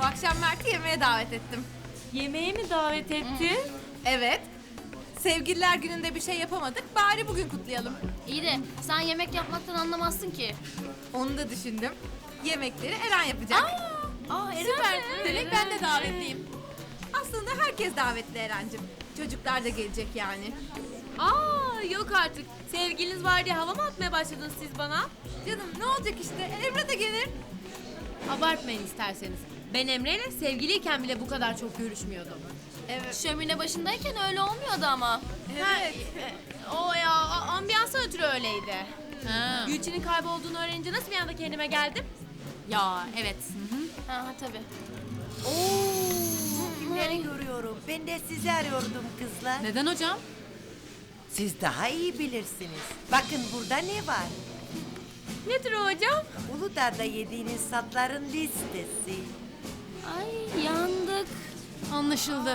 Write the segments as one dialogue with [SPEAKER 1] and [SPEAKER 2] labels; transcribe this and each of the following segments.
[SPEAKER 1] Bu akşam Mert'i yemeğe davet ettim.
[SPEAKER 2] Yemeğe mi davet ettin?
[SPEAKER 1] Evet. Sevgililer gününde bir şey yapamadık. Bari bugün kutlayalım.
[SPEAKER 3] İyi de sen yemek yapmaktan anlamazsın ki.
[SPEAKER 1] Onu da düşündüm. Yemekleri Eren yapacak.
[SPEAKER 3] Süper.
[SPEAKER 1] Demek ben de davetliyim. Aslında herkes davetli Eren'cim. Çocuklar da gelecek yani.
[SPEAKER 2] Yok artık. Sevgiliniz var diye hava mı atmaya başladınız siz bana?
[SPEAKER 1] Canım ne olacak işte? Emre de gelir.
[SPEAKER 2] Abartmayın isterseniz. Ben Emre'yle sevgiliyken bile bu kadar çok görüşmüyordum.
[SPEAKER 1] Evet.
[SPEAKER 3] Şömine başındayken öyle olmuyordu ama.
[SPEAKER 1] Evet.
[SPEAKER 2] O ya ambiyansa ötürü öyleydi. Gülçin'in kaybolduğunu öğrenince nasıl bir anda kendime geldim? Ya evet.
[SPEAKER 3] Ha tabii.
[SPEAKER 4] Kimleri görüyorum? Ben de sizi arıyordum kızlar.
[SPEAKER 2] Neden hocam?
[SPEAKER 4] Siz daha iyi bilirsiniz. Bakın burada ne var?
[SPEAKER 2] Nedir o hocam?
[SPEAKER 4] Uludağ'da yediğiniz tatların listesi.
[SPEAKER 3] Ay yandık.
[SPEAKER 2] Anlaşıldı.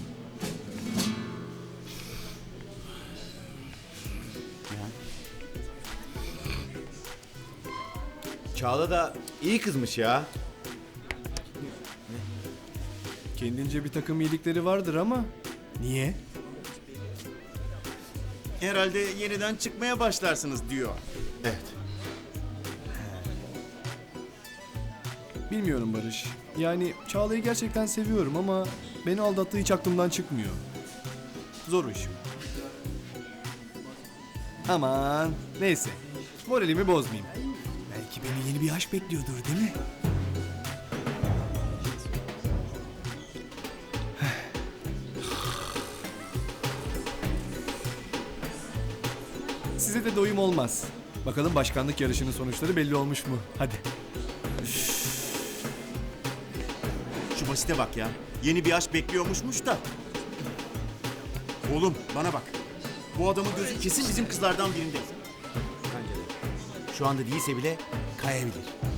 [SPEAKER 5] Çağla da iyi kızmış ya.
[SPEAKER 6] Kendince bir takım iyilikleri vardır ama niye?
[SPEAKER 5] Herhalde yeniden çıkmaya başlarsınız diyor. Evet.
[SPEAKER 6] Bilmiyorum Barış. Yani Çağla'yı gerçekten seviyorum ama beni aldattığı hiç aklımdan çıkmıyor. Zor o iş. Aman neyse. Moralimi bozmayayım. Belki beni yeni bir aşk bekliyordur değil mi? Size de doyum olmaz. Bakalım başkanlık yarışının sonuçları belli olmuş mu? Hadi.
[SPEAKER 5] Şu basite bak ya. Yeni bir aşk bekliyormuşmuş da. Oğlum bana bak. Bu adamın gözü kesin bizim kızlardan birinde. Bence de. Şu anda değilse bile kayabilir.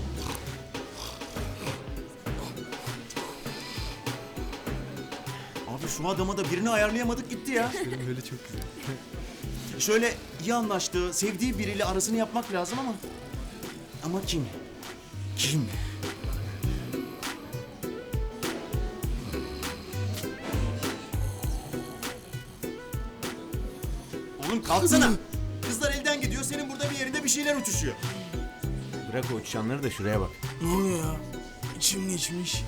[SPEAKER 5] Abi şu adama da birini ayarlayamadık gitti ya.
[SPEAKER 6] Benim böyle çok güzel.
[SPEAKER 5] Şöyle iyi anlaştığı, sevdiği biriyle arasını yapmak lazım ama... Ama kim? Kim? Oğlum kalksana. Kızlar elden gidiyor, senin burada bir yerinde bir şeyler uçuşuyor. Bırak o uçuşanları da şuraya bak.
[SPEAKER 7] Ne oluyor ya? İçim geçmiş.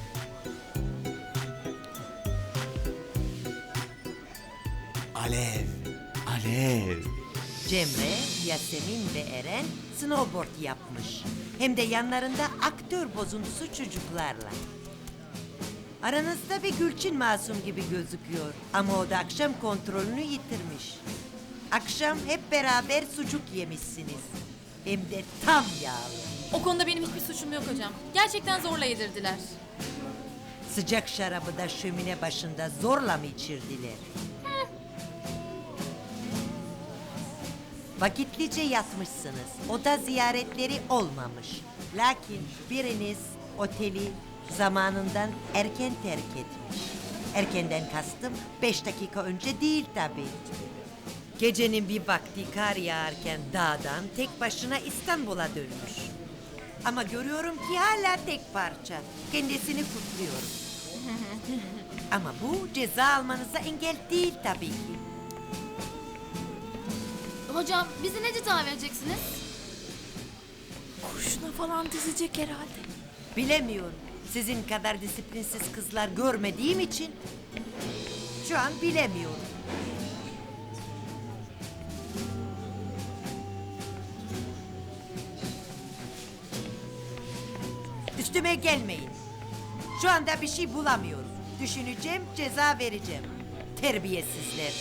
[SPEAKER 5] Alev, alev.
[SPEAKER 4] Cemre, Yasemin ve Eren snowboard yapmış. Hem de yanlarında aktör bozuntusu çocuklarla. Aranızda bir Gülçin masum gibi gözüküyor. Ama o da akşam kontrolünü yitirmiş. Akşam hep beraber sucuk yemişsiniz. Hem de tam yağlı.
[SPEAKER 2] O konuda benim hiçbir suçum yok hocam. Gerçekten zorla yedirdiler.
[SPEAKER 4] Sıcak şarabı da şömine başında zorla mı içirdiler? Vakitlice yatmışsınız. Oda ziyaretleri olmamış. Lakin biriniz oteli zamanından erken terk etmiş. Erkenden kastım 5 dakika önce değil tabii. Gecenin bir vakti kar yağarken dağdan tek başına İstanbul'a dönmüş. Ama görüyorum ki hala tek parça. Kendisini kutluyorum. Ama bu ceza almanıza engel değil tabii ki.
[SPEAKER 3] Hocam bizi ne ceza vereceksiniz?
[SPEAKER 2] Kurşuna falan dizecek herhalde.
[SPEAKER 4] Bilemiyorum. Sizin kadar disiplinsiz kızlar görmediğim için şu an bilemiyorum. Üstüme gelmeyin. Şu anda bir şey bulamıyoruz. Düşüneceğim, ceza vereceğim. Terbiyesizler.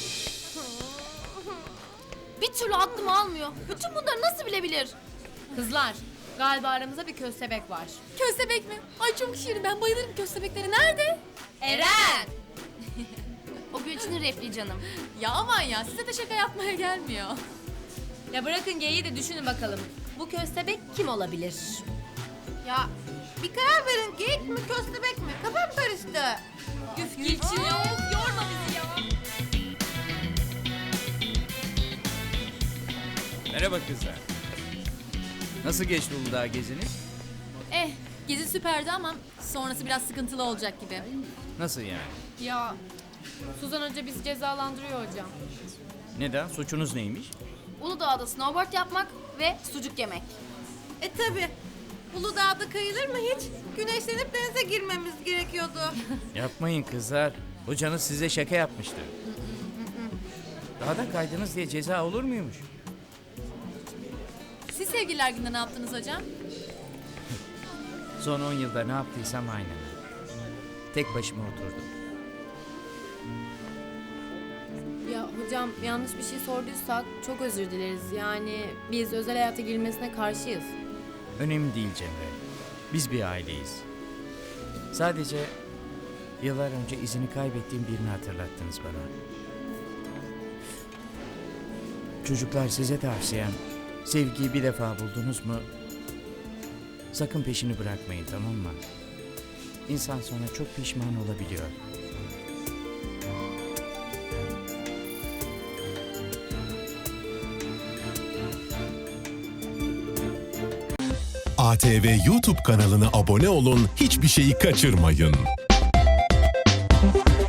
[SPEAKER 3] Bir türlü aklım almıyor. Bütün bunları nasıl bilebilir?
[SPEAKER 2] Kızlar, galiba aramızda bir köstebek var.
[SPEAKER 1] Köstebek mi? Ay çok şirin. Ben bayılırım köstebeklere. Nerede?
[SPEAKER 2] Eren!
[SPEAKER 3] O Gülçin'in repliği canım.
[SPEAKER 1] Ya aman ya. Size de şaka yapmaya gelmiyor.
[SPEAKER 2] Ya bırakın geyiği de düşünün bakalım. Bu köstebek kim olabilir?
[SPEAKER 1] Ya bir karar verin. Geyik mi köstebek mi? Kafam karıştı.
[SPEAKER 2] Üf Gülçin ya, of, yorma bizi ya.
[SPEAKER 8] Merhaba kızlar. Nasıl geçti Uludağ geziniz?
[SPEAKER 1] Gezi süperdi ama
[SPEAKER 2] sonrası biraz sıkıntılı olacak gibi.
[SPEAKER 8] Nasıl yani?
[SPEAKER 2] Ya Suzan Hoca bizi cezalandırıyor hocam.
[SPEAKER 8] Neden? Suçunuz neymiş?
[SPEAKER 3] Uludağ'da snowboard yapmak ve sucuk yemek.
[SPEAKER 1] Tabi. Uludağ'da kayılır mı hiç? Güneşlenip denize girmemiz gerekiyordu.
[SPEAKER 8] Yapmayın kızlar. Hocanız size şaka yapmıştı. Dağda kaydınız diye ceza olur muymuş?
[SPEAKER 2] Siz sevgililer günde ne yaptınız hocam?
[SPEAKER 8] Son 10 yılda ne yaptıysam aynen. Tek başıma oturdum.
[SPEAKER 2] Ya hocam yanlış bir şey sorduysak çok özür dileriz. Yani biz özel hayata girmesine karşıyız.
[SPEAKER 8] Önemli değil Cemre. Biz bir aileyiz. Sadece yıllar önce izini kaybettiğim birini hatırlattınız bana. Çocuklar, size tavsiyem, sevgiyi bir defa buldunuz mu sakın peşini bırakmayın, tamam mı? İnsan sonra çok pişman olabiliyor.
[SPEAKER 9] ATV YouTube kanalına abone olun, hiçbir şeyi kaçırmayın.